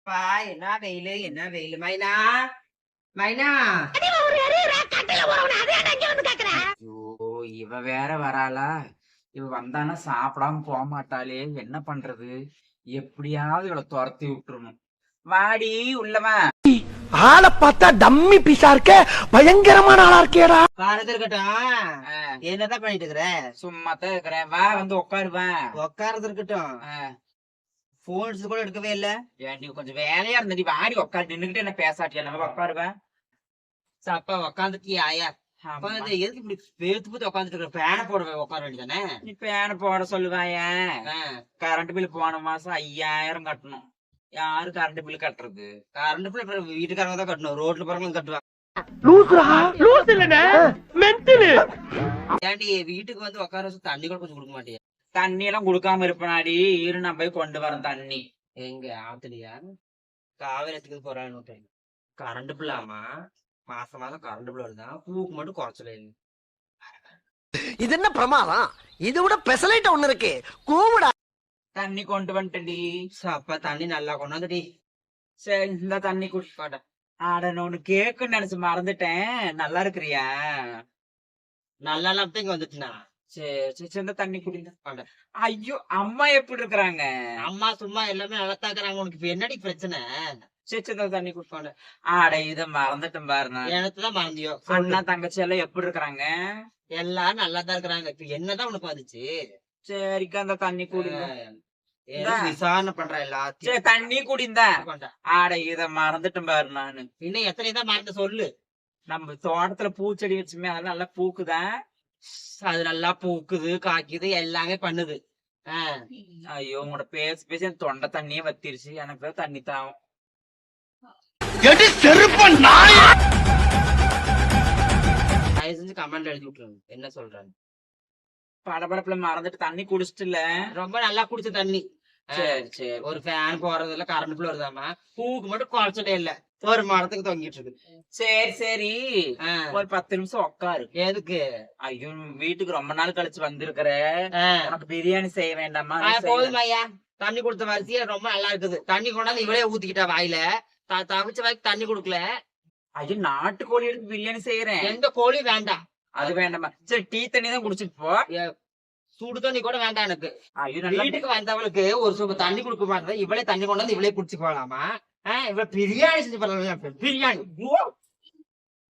பா என்ன வெயிலு என்ன வெயிலு மைனா மைனா. ஐயோ, இவ வேற வராளா? இவ வந்தானா சாப்பிடாம போக மாட்டாளே, என்ன பண்றது? எப்படியாவது இவளை துரத்தி விட்டுறணும். வாடி உள்ளவா. ஆளை பார்த்தா டம்மி பீஸா இருக்க, பயங்கரமான ஆளா இருக்கேடா. காலத்துல இருக்கட்டும். என்னதான் பண்ணிட்டு இருக்கிற? சும்மாத்தான் இருக்கிறேன். வா வந்து உட்காருவேன். உட்காரது இருக்கட்டும். போன்ஸ் கூட எடுக்கவே இல்ல. நீ கொஞ்சம் வேலையா இருந்தடி, வாடி உட்காரு. நின்னுகிட்டு என்ன பேசாட்டியா? நம்ம உட்காருவேன். அப்பா உட்காந்துட்டியா? ஆயா எதுக்கு இப்படி பேத்து பத்தி உட்காந்துட்டு இருக்க? பேனை போட உட்கார வேண்டியதானே? நீ பேனை போட சொல்லுவாயன். கரண்ட் பில் போன மாசம் 5000 கட்டணும். யாரு கரண்ட் பில் கட்டுறது? கரண்ட் பில் வீட்டுக்காரங்க தான் கட்டணும், ரோட்ல போறவங்களும் கட்டுவாங்க. ஏன்டி வீட்டுக்கு வந்து உட்கார வச்சு தண்ணி கூட கொஞ்சம் கொடுக்க மாட்டியா? தண்ணி எல்லாம் கொடுக்காம இருப்பனாடி. இரு நான் போய் கொண்டு வரேன் தண்ணி. எங்க ஆத்துலையா? காவேரி எடுத்துக்கு போறான்னு. கரண்ட் பில் ஆமா மாசம் மாசம் கரண்ட் பில் வருதான், பூக்கு மட்டும் குறைச்சல. இது என்ன பிரமாதம்? இது விட பெசலைட் ஒண்ணு இருக்கு, கூவுடா. தண்ணி கொண்டு வந்துட்டடி. அப்பா தண்ணி நல்லா கொண்டாந்துடி. சரி இந்த தண்ணி குடிப்பாட. ஆட நான் ஒண்ணு கேக்குன்னு நினைச்சு மறந்துட்டேன். நல்லா இருக்கிறியா? நல்லா இல்லாம இங்க வந்துட்டுனா. சரி சரி, இந்த தண்ணி குடிங்க. ஐயோ, அம்மா எப்படி இருக்கிறாங்க? அம்மா சும்மா எல்லாமே நல்லா தாக்குறாங்க. உனக்கு இப்ப என்னடி பிரச்சனை? சரி இந்த தண்ணி குடிப்பாட. ஆட இத மறந்துட்டேன் பாருண்ணா. எனக்குதான் மறந்தியோ? அண்ணா தங்கச்சி எல்லாம் எப்படி இருக்கிறாங்க? எல்லாரும் நல்லா தான் இருக்கிறாங்க. இப்ப என்னதான் உனக்கு வந்துச்சு? சரிக்கா அந்த தண்ணி குடிங்க. விசாரணை பண்ற எல்லாத்தையும். சரி தண்ணி குடிந்த. ஆட இத மறந்துட்டேன் பாரு நானு. இன்னும் எத்தனை தான் மறந்து சொல்லு. நம்ம தோட்டத்துல பூச்செடி வச்சுமே அதெல்லாம் நல்லா பூக்குதான். அது நல்லா பூக்குது, காய்க்குது, எல்லாமே பண்ணுது. ஐயோ, உங்களோட பேசி பேசி என் தொண்டை தண்ணியே வத்திருச்சு. எனக்கு தான் தண்ணி தாவும். தயவு செஞ்சு கமெண்ட் எழுதி விட்டுருங்க என்ன சொல்றாங்க. படபடப்புல மறந்துட்டு தண்ணி குடிச்சிட்டுல. ரொம்ப நல்லா குடிச்ச தண்ணி. சரி சரி. ஒரு ஃபேன் போறது இல்ல, கரண்ட் பில் வருதாமா, பூக்கு மட்டும் குறைச்சதே இல்ல, ஒரு மரத்துக்கு தொங்கிட்டு இருக்கு. சரி சரி, ஒரு 10 நிமிஷம் உட்காரு. எதுக்கு? ஐயோ, வீட்டுக்கு ரொம்ப நாள் கழிச்சு வந்திருக்கிற. உனக்கு பிரியாணி செய்ய வேண்டாமா? போதும் ஐயா, தண்ணி கொடுத்த வரிசையா ரொம்ப நல்லா இருக்குது. தண்ணி கொண்டாந்து இவளே ஊத்திக்கிட்டா வாயில. தவிச்ச வாய்க்கு தண்ணி கொடுக்கல. ஐயோ, நாட்டுக்கோழி எடுத்து பிரியாணி செய்யறேன். எந்த கோழி வேண்டாம். அது வேண்டாமா? சரி டீ தண்ணி தான் குடிச்சிட்டு போ. சுடு தண்ணி கூட வேண்டாம் எனக்கு. ஐயோ, வீட்டுக்கு வந்தவளுக்கு ஒரு சும்மா தண்ணி கொடுக்க மாட்டேன், இவளே தண்ணி கொண்டாந்து இவளே குடிச்சு போகலாமா? இவள பிரியாணி செஞ்சு போடலாம். பிரியாணி